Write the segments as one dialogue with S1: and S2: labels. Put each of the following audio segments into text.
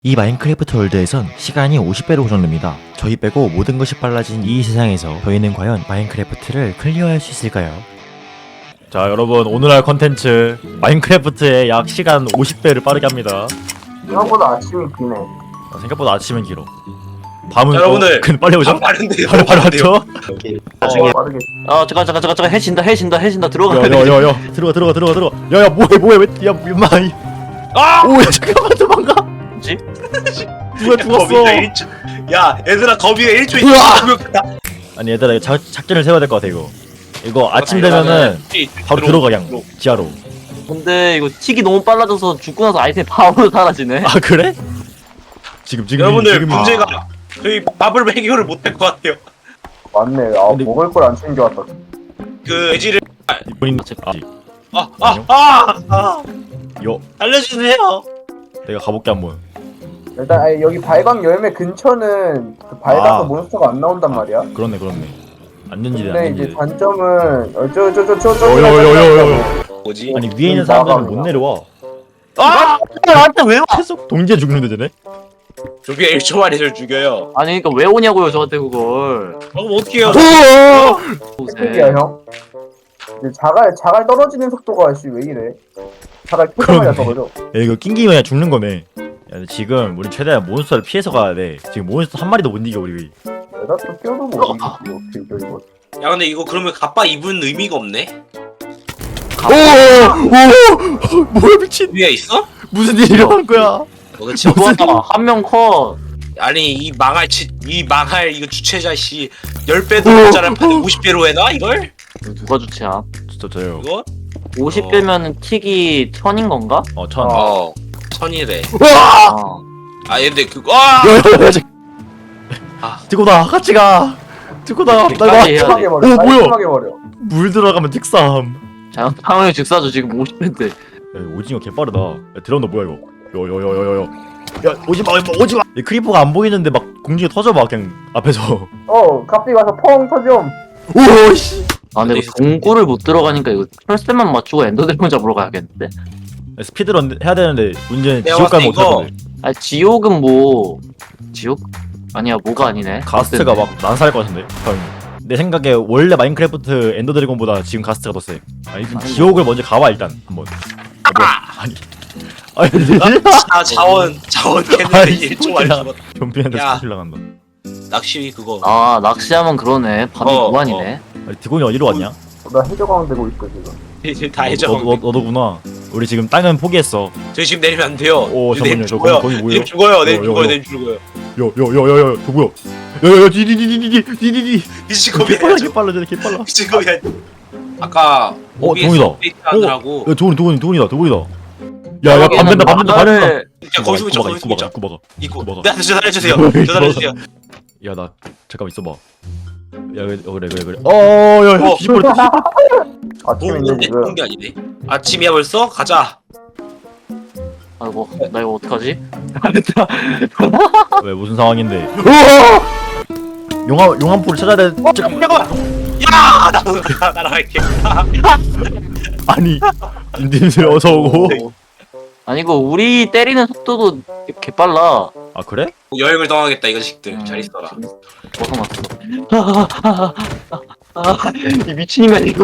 S1: 이 마인크래프트 월드에선 시간이 50배로 고정됩니다. 저희 빼고 모든 것이 빨라진 이 세상에서 저희는 과연 마인크래프트를 클리어할 수 있을까요? 자 여러분, 오늘 할 컨텐츠 마인크래프트의 약 시간 50배를 빠르게 합니다.
S2: 생각보다 아침이 기네.
S1: 생각보다 아침은 길어. 밤은
S3: 여러분들,
S1: 근데 빨리 오죠?
S3: 빠른데요.
S1: 바로 왔죠?
S3: 나중에
S2: 빠르게.
S4: 잠깐 해진다 들어가야 돼.
S1: 야야야야 들어가 야야 뭐해 야 임마 오야 잠깐만 도망가.
S4: 뭐지?
S1: 누가 죽었어?
S3: 야 얘들아, 거미가 1초에
S1: 으아! 아니 얘들아 이거 작전을 세워야 될 것 같아. 이거 아침 되면은 바로 들어가 그냥 지하로.
S4: 근데 이거 틱이 너무 빨라져서 죽고 나서 아이템 바로 사라지네.
S1: 아 그래? 지금
S3: 여러분들, 문제가 저희 밥을 해결을 못할 것 같아요.
S2: 맞네.
S1: 근데-
S2: 먹을 걸 안 챙겨왔다.
S3: 그 애지를
S1: 본인 요
S3: 알려주세요.
S1: 내가 가볼게 한번.
S2: 일단 여기 발광 열매 근처는 그 밝아서
S1: 아.
S2: 몬스터가 안 나온단 말이야.
S1: 그렇네 안전지대
S2: 근데 이제
S1: 안전지대.
S2: 단점은
S1: 요요요요요.
S3: 뭐지?
S1: 아니 위에 있는 사람들은 못 내려와.
S4: 나한테 왜 와?
S1: 계속 동지에 죽는데 쟤네?
S3: 조비가 1초 만에 저를 죽여요.
S4: 아니 그러니까 왜 오냐고요 저한테 그걸.
S3: 그럼 어떡해요?
S2: 핵이야 형. 근데 자갈 떨어지는 속도가 왜 이래? 자갈 켜자마자 떨어져.
S1: 야 이거 낑기면 죽는 거네. 야 근데 지금 우리 최대한 몬스터를 피해서 가야 돼. 지금 몬스터 한 마리도 못 이겨 우리.
S2: 내가 또 껴도 뭐 어떻게 이겨 이거.
S3: 야 근데 이거 그러면 갑바 입은 의미가 없네?
S1: 오 뭐야 미친.
S3: 위에 있어?
S1: 무슨 일이 일어난 거야?
S3: 그치.
S4: 한명 컷.
S3: 아니 이 망할 이거 주최자 씨 10배도 모자란 판에 50배로 해놔 이걸?
S4: 누가 주체야?
S1: 진짜 저요.
S3: 이거?
S4: 50배면은 틱이 1000인 건가?
S1: 천.
S3: 천이래.
S4: 아.
S3: 아 근데 그거
S1: 야야야
S3: 아.
S1: 듣고 나 같이 가. 듣고 나.
S4: 끝까지 해야 돼.
S2: 깔끔하게
S1: 오,
S2: 버려.
S1: 뭐야?
S2: 깔끔하게 버려.
S1: 물 들어가면 특삼.
S4: 자, 상황의 즉사죠 지금 50배인데.
S1: 야, 오징어 개빠르다. 야, 드라운드 뭐야 이거? 요요요요요. 야 오지마. 이 크리퍼가 안 보이는데 막 공중에 터져봐 그냥 앞에서.
S2: 갑자기 와서 펑 터져.
S1: 오씨.
S4: 아 근데 이거 동굴을 못 들어가니까 이거 철새만 맞추고 엔더드래곤 잡으러 가야겠는데?
S1: 스피드런 해야 되는데 문제는
S3: 내가
S1: 지옥 가면
S3: 봤을 때 이거-
S1: 못하거든.
S4: 아 지옥은 뭐 지옥? 아니야 뭐가 아니네.
S1: 가스트가 막 난사할 것 같은데. 내 생각에 원래 마인크래프트 엔더 드래곤보다 지금 가스트가 더 세. 아니 지옥을 먼저 가봐 일단 한번. 아니.
S3: 자원 캐는데
S1: 아이,
S3: 1초 만에
S1: 뭐야.
S3: 죽었다.
S1: 좀비한테
S3: 야.
S1: 스킬 나간다.
S3: 낚시 그거.
S4: 아 낚시하면 그러네. 밤이 무한이네.
S1: 아니 드곤이 어디로 왔냐?
S2: 나 해적왕 되고 있어 지금.
S3: 이제 다 해줘.
S1: 너도구나. 우리 지금 땅은 포기했어.
S3: 저희 지금 내리면 안 돼요.
S1: 오,
S3: 내리면
S1: 잠깐만요. 저
S3: 죽어요.
S1: 거기 뭐예요?
S3: 내리면 죽어요. 내리면
S1: 요,
S3: 죽어요.
S1: 요.
S3: 내리면 죽어요.
S1: 요요요요요 누구야? 야야야 디디디디디디디디.
S3: 미친 거미
S1: 개빨라
S3: 해야죠.
S1: 개빨라.
S3: 미친 거미 해야죠. 아까
S1: 동이다.
S3: 업데이트하느라고
S1: 야 도훈이다. 야야 밤 된다.
S3: 야 거기서
S1: 입고
S3: 거기서
S1: 막아.
S3: 입고
S1: 먹어.
S3: 네, 저 살려주세요. 저 살려주세요.
S1: 야 나 잠깐만 있어봐. 야 그래. 어야 뒤집어졌다.
S2: 아침인데 지금.
S3: 그런 게 아니네. 아침이야 벌써? 가자.
S4: 아이고 나 이거 어떡하지?
S1: 왜 무슨 상황인데? 용암포를 찾아야 돼.
S3: 잠깐만. 야, 나도 날아갈게.
S1: 아니 인디들 어서 오고.
S4: 아니 이거 우리 때리는 속도도 개빨라.
S1: 아 그래?
S3: 여행을 떠나겠다 이 자식들. 잘 있어라.
S4: 벗어났어. 이 미친인간 이거.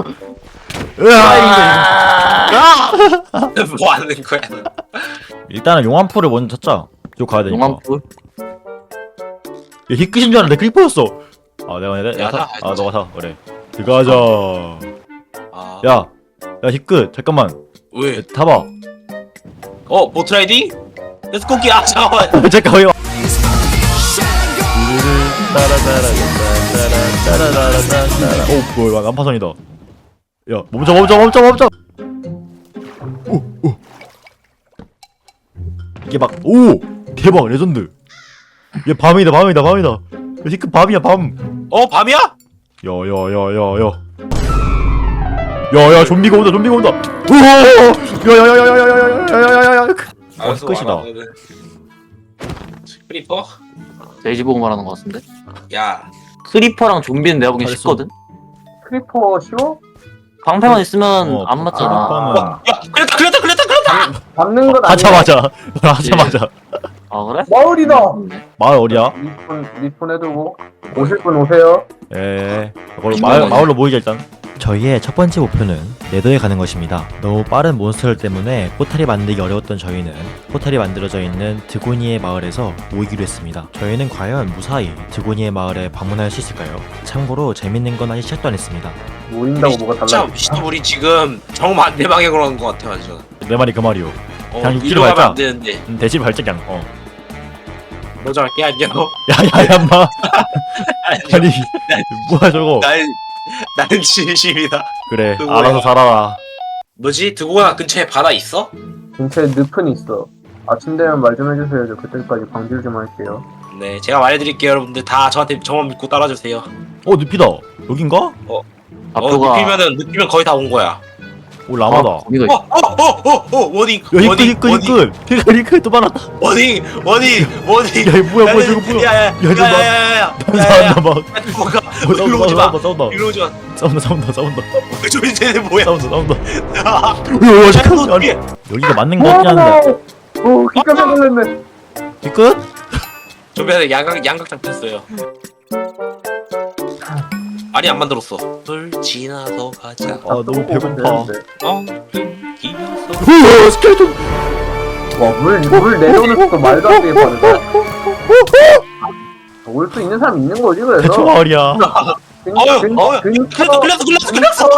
S3: 뭐 하는 거야?
S1: 일단은 용암포를 먼저 찾자. 쪽 가야 되니까.
S4: 용암풀.
S1: 야 히끗인 줄 알았는데 크리퍼였어. 아 내가
S3: 야, 나
S1: 너가 사 그래. 들어가자.
S3: 아,
S1: 야 히끗 잠깐만.
S3: 왜?
S1: 타봐.
S3: 보트 라이딩? 렛츠고기. 아 잠깐만.
S1: 잠깐만. 이거. 오 뭐야 난파선이다. 야 멈춰. 오. 이게 막 오 대박 레전드. 얘 밤이다. 야, 히끗 밤이야 밤.
S3: 밤이야?
S1: 야야야야야야야야 좀비가 온다. 오 야야야야야야야야야야야야. 끝이다.
S3: 크리퍼?
S4: 돼지 보고 말하는 것 같은데.
S3: 야,
S4: 크리퍼랑 좀비는 내가 보기엔
S1: 잘했어.
S4: 쉽거든.
S2: 크리퍼 쉬워?
S4: 방패만 있으면 안 맞잖아.
S1: 크리퍼는
S3: 야, 걸렸다.
S2: 잡는 건 아니야.
S1: 하자마자.
S4: 아 아 그래?
S2: 마을이다.
S1: 마을 어디야?
S2: 리폰 해두고 오실 분 오세요.
S1: 예. 그걸로 마을로 모이자 일단. 저희의 첫 번째 목표는 네더에 가는 것입니다. 너무 빠른 몬스터들 때문에 포탈이 만들기 어려웠던 저희는 포탈이 만들어져 있는 드고니의 마을에서 모이기로 했습니다. 저희는 과연 무사히 드고니의 마을에 방문할 수 있을까요? 참고로 재밌는 건 아직 시작도 안 했습니다.
S2: 모인다고 뭐가
S3: 진짜
S2: 달라?
S3: 미친 우리 지금 정반대 방향으로 가는 것 같아 완전.
S1: 내 말이 그 말이오. 그냥
S3: 이리로
S1: 육지로
S3: 가면
S1: 갈까?
S3: 안 되는데.
S1: 대신 발작 그냥.
S3: 먼저 갈게 안녕.
S1: 야야야 마. 아니 뭐야 저거.
S3: 나는 진심이다.
S1: 그래
S3: 누구야?
S1: 알아서 살아라.
S3: 뭐지? 드고나 근처에 바다 있어?
S2: 근처에 늪은 있어. 아침 되면 말 좀 해주세요. 저 그때까지 방질 좀 할게요.
S3: 네, 제가 말해드릴게요, 여러분들. 다 저만 믿고 따라주세요.
S1: 늪이다. 여긴가?
S4: 앞표가
S3: 느끼면 거의 다 온 거야.
S1: 오 라마다.
S4: 거기가
S3: 워닝,
S1: 이끌 또 많았다.
S3: 워닝.
S1: 야 뭐야 저거 뭐야.
S3: 야야야야야야야야야.
S1: 싸운다 막.
S3: 뭐가? 일로 오지 마.
S1: 싸운다.
S3: 일로 오지 마.
S1: 싸운다.
S3: 저 이제는 뭐야?
S1: 싸운다.
S3: 야,
S1: 잠깐만. 아니, 여기가 맞는 거 같긴 한데.
S2: 오, 기가 막혔네.
S1: 뒤끝?
S3: 좀비한테 양각장 폈어요. 아니 안 만들었어. 물 지나서 가자.
S1: 아 너무 배고파.
S3: 기어서.
S1: 오 스켈레톤.
S2: 와, 물 내려오는 것도 말도 안 되게 빠르다. 올 수 있는 사람 있는 거지, 그래서.
S1: 대초 마을이야.
S3: 걸렸어.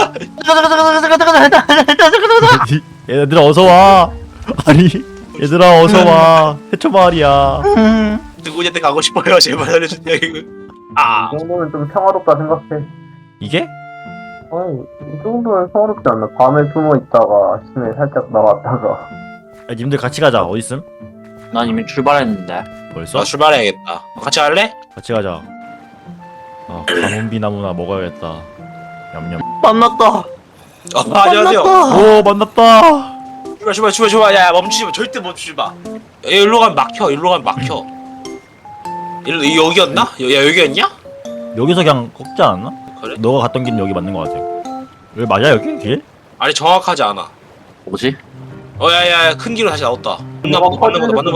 S1: 얘들아 어서 와. 아니 얘들아 어서 와. 해초 마을이야.
S3: 누구한테 가고 싶어요. 제발 알려주세요. 이거. 아.
S2: 이 정도면 좀 평화롭다 생각해.
S1: 이게?
S2: 아니, 이 정도면 평화롭지 않나? 밤에 숨어 있다가 아침에 살짝 나왔다가.
S1: 야, 님들 같이 가자. 어디 있음?
S4: 난 이미 출발했는데.
S1: 벌써?
S3: 나 출발해야겠다. 같이 갈래?
S1: 같이 가자. 아 가문비 나무나 먹어야겠다. 냠냠.
S4: 만났다.
S3: 안녕하세요.
S1: 오 만났다.
S3: 출발. 야 멈추지 마. 절대 멈추지 마. 일로 가면 막혀. 여기였나? 야 여기였냐?
S1: 여기서 그냥 꺾지 않았나?
S3: 그래?
S1: 너가 갔던 길은 여기 맞는 거 같아. 여기 맞아 여기 길?
S3: 아니 정확하지 않아.
S4: 뭐지?
S3: 야야야 큰 길로 다시 나왔다.
S2: 맞아,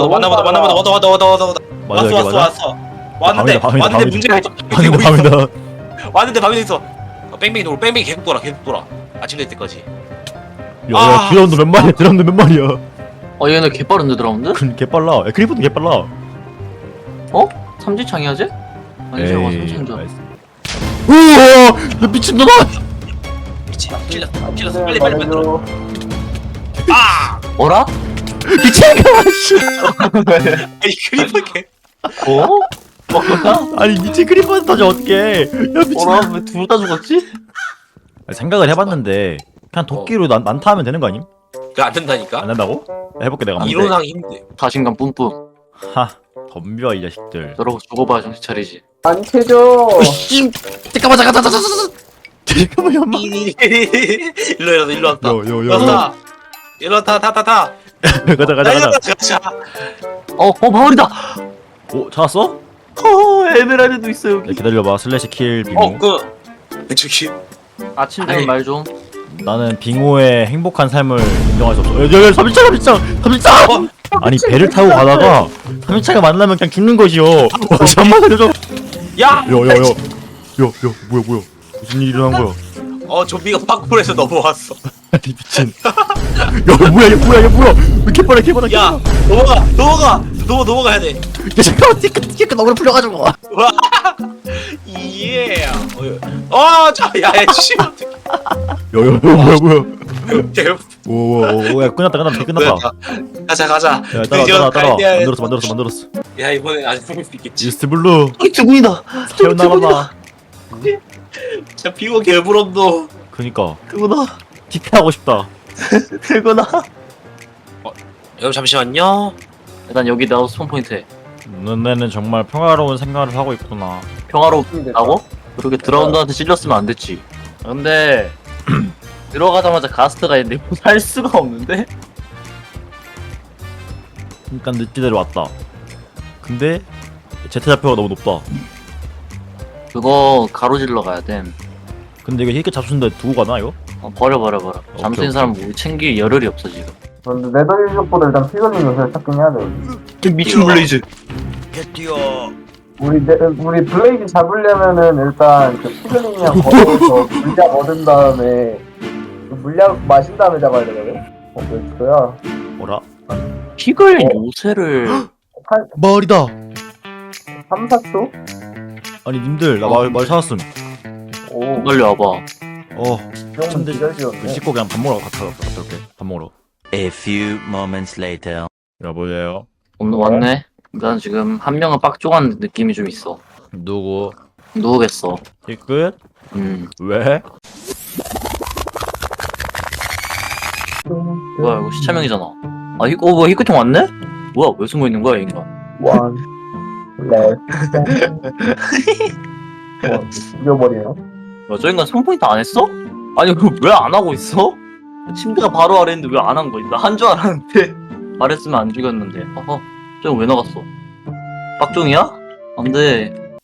S1: 맞아 여기 맞아.
S3: 왔어. 왔는데
S1: 밤이다.
S3: 문제가 있어.
S1: 밤이다.
S3: 왔는데 밤이 있어. 뺑뺑이 계속 돌아. 아침 될 때까지.
S1: 야 드라운드 몇 마리야? 드라운드 몇 마리야?
S4: 얘네 개빠른데 드라운드?
S1: 개 빨라. 야, 크리퍼도 개 빨라.
S4: 삼지창이 하지? 아니 저거 삼지창전.
S1: 우와 너 미친놈아.
S3: 찔렀어. 빨리 만들어. 아!
S4: 뭐라?
S1: 미친놈아 씨.
S3: 아니 크리퍼 개.
S4: 뭐야?
S1: 아니 미친 크리퍼한테 다시 어떡해. 야 미친.
S4: 뭐라? 왜 둘 다 죽었지?
S1: 생각을 해봤는데 그냥 도끼로 난타하면 되는 거 아님?
S3: 그거 안 된다니까.
S1: 안 된다고? 해볼게 내가.
S3: 이론상 힘들.
S4: 자신감 뿜뿜.
S1: 하 덤벼 이 자식들.
S4: 저러고 죽어봐야 정신 차리지.
S2: 안 캐줘.
S1: 씨. 잠깐만. 잠깐만 엄마.
S3: 일로 왔다.
S1: 요.
S3: 일로 타.
S1: 가자.
S4: 마을이다.
S1: 오 찾았어?
S4: 에메랄드도 있어
S1: 야,
S4: 여기.
S1: 기다려봐. 슬래시 킬 빙호.
S3: 저기
S4: 아침
S3: 아니.
S4: 되면 말 좀.
S1: 나는 빙호의 행복한 삶을 인정할 수 없어. 야 3일차. 아니 배를 타고 가다가 3일차가 만나면 그냥 죽는 것이요. 잠만 살려줘.
S3: 야!
S1: 뭐야 무슨 일이 일어난 거야?
S3: 좀비가 파쿠르에서 넘어왔어.
S1: 아니 미친. 야 뭐야? 왜 이렇게 빨라?
S3: 야, 넘어가야 돼.
S1: 야 잠깐만 티켓 너무 풀려가지고.
S3: 와, 예. 야, 씨.
S1: 뭐야? 오야 끝났다.
S3: 가자.
S1: 야 따라. 만들었어.
S3: 야, 이번에 아직 죽을 수 있겠지.
S1: 이스트 블루.
S4: 두군이다.
S1: 태어나봐.
S3: 진짜 비고 개부럽도.
S1: 그니까
S4: 두군아.
S1: 티켓 하고 싶다.
S4: 두군아.
S3: 여러분 잠시만요.
S4: 일단 여기 나도 스폰 포인트.
S1: 너네는 정말 평화로운 생활을 하고 있구나.
S4: 평화롭다고? 그렇게 드라운드한테 찔렸으면 안 됐지. 근데 들어가자마자 가스트가 있는데 살 수가 없는데?
S1: 일단 늦지대로 왔다. 근데 제트 좌표가 너무 높다.
S4: 그거 가로질러 가야 돼.
S1: 근데 이거 힐끗 잡수는데 두고 가나 이거?
S4: 버려. 잠수
S1: 오케이.
S4: 있는 사람 우리 챙길 여력이 없어 지금.
S2: 근데 네더일족보다 일단 피글린 요새를 찾긴 해야 돼.
S4: 미친 블레이즈.
S1: 개뛰어.
S2: 우리 블레이드 잡으려면은 일단 그 피글링이랑 거기서 물약 얻은 다음에 그 물약 마신 다음에 잡아야 되거든. 몇 초야?
S1: 뭐라?
S4: 피글 요새를
S2: 한
S1: 마을이다.
S2: 3, 4초?
S1: 아니 님들 나 마을 찾았음.
S2: 오,
S4: 빨리 와봐.
S2: 이 정도면
S1: 근데
S2: 기절지였네.
S1: 씻고 그냥 밥 먹으러 갔다 올게. 밥 먹으러.
S5: A few moments later.
S1: 여보세요.
S4: 오늘 왔네. 난 지금 한 명은 빡종한 느낌이 좀 있어.
S1: 누구?
S4: 누우겠어.
S1: 이 끝? 왜?
S4: 뭐야 이거 시차명이잖아. 아 이거 뭐야 히크통 왔네? 뭐야 왜 숨어 있는 거야 이 인간?
S2: 원, 렛, 죽여버리네요.
S4: 야, 저 인간 성포인트 안 했어? 아니 왜 안 하고 있어? 침대가 바로 아래인데 왜 안 한 거야? 나 한 줄 알았는데 말했으면 안 죽였는데. 어허 저거 왜 나갔어? 빡종이야? 안돼.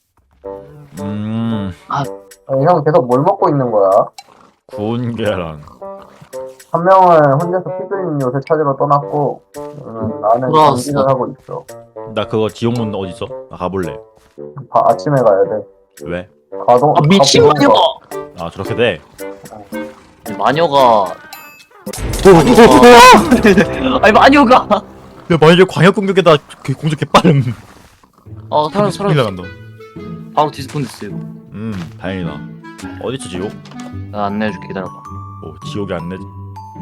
S2: 아니, 형 계속 뭘 먹고 있는 거야?
S1: 구운 계란.
S2: 한 명은 혼자서 피글링 요새 찾으러 떠났고, 나는
S4: 돌아왔어.
S2: 장기를 하고 있어.
S1: 나 그거 지옥문 어디 있어? 나 가볼래.
S2: 아침에 가야 돼.
S1: 왜?
S2: 가도
S4: 아 미친
S2: 가보는
S4: 마녀가.
S2: 거.
S1: 아 저렇게 돼.
S4: 마녀가. 아니 마녀가.
S1: 야 만약에 광역 공격에다 그 공격 개빠름.
S4: 아 사람
S1: 큰일 나간다.
S4: 바로 디스폰 됐어요.
S1: 다행이다. 어디 있어 지옥?
S4: 나 안내해줄게 기다려봐.
S1: 오 지옥이 안 내지.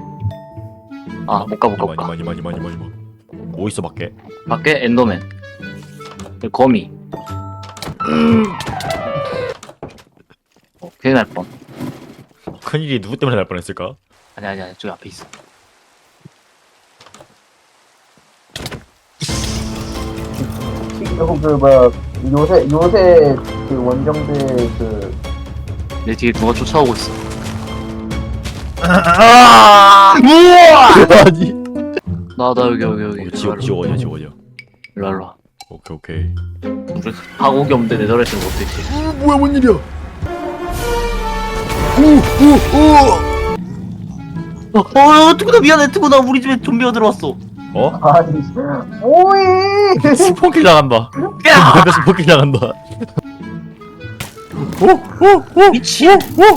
S4: 아 못 가 못 가 못 가.
S1: 많이. 뭐 있어 밖에?
S4: 밖에 엔더맨. 거미. 큰일 날 뻔.
S1: 큰일이 누구 때문에 날 뻔했을까?
S4: 아니 저기 앞에 있어.
S2: 그 뭐야 요새 그 원정대 그
S4: 내 뒤에 누가 쫓아오고 있어.
S1: 아니.
S4: 나 여기.
S1: 지옥 어디야 지옥 어디야?
S4: 일로 와.
S1: 오케이.
S4: 우리 가곡이 없는데 네더라이트는 못했지.
S1: 뭐야 뭔 일이야?
S4: 투구나 미안해 투구나 우리 집에 좀비가 들어왔어.
S1: 어?
S2: 아니 뭐해?
S1: 스폰킬 나간다.
S4: 야
S1: 앞에 스폰킬 나간다.
S4: 미친.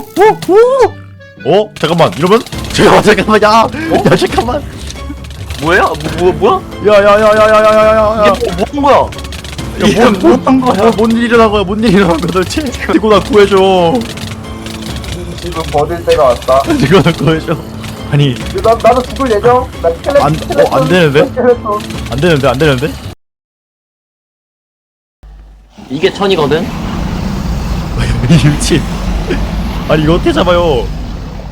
S1: 잠깐만 이러면? 잠깐만 야 잠깐만.
S4: 뭐야? 뭐야?
S1: 야야야야야야야야야.
S4: 얘 뭐 한 거야?
S1: 뭔 거야? 뭔 일이 일어난 거야? 뭔 일이 일어난 거야 도대체? 이거 나 구해줘.
S2: 지금 버릴 때가 왔다.
S1: 이거 나 구해줘. 아니
S2: 나도 죽을 예정. 나 스켈레톤.
S1: 안 되는데?
S2: 스켈레톤.
S1: 안 되는데?
S4: 이게 천이거든?
S1: 이 미친. 아니 이거 어떻게 잡아요?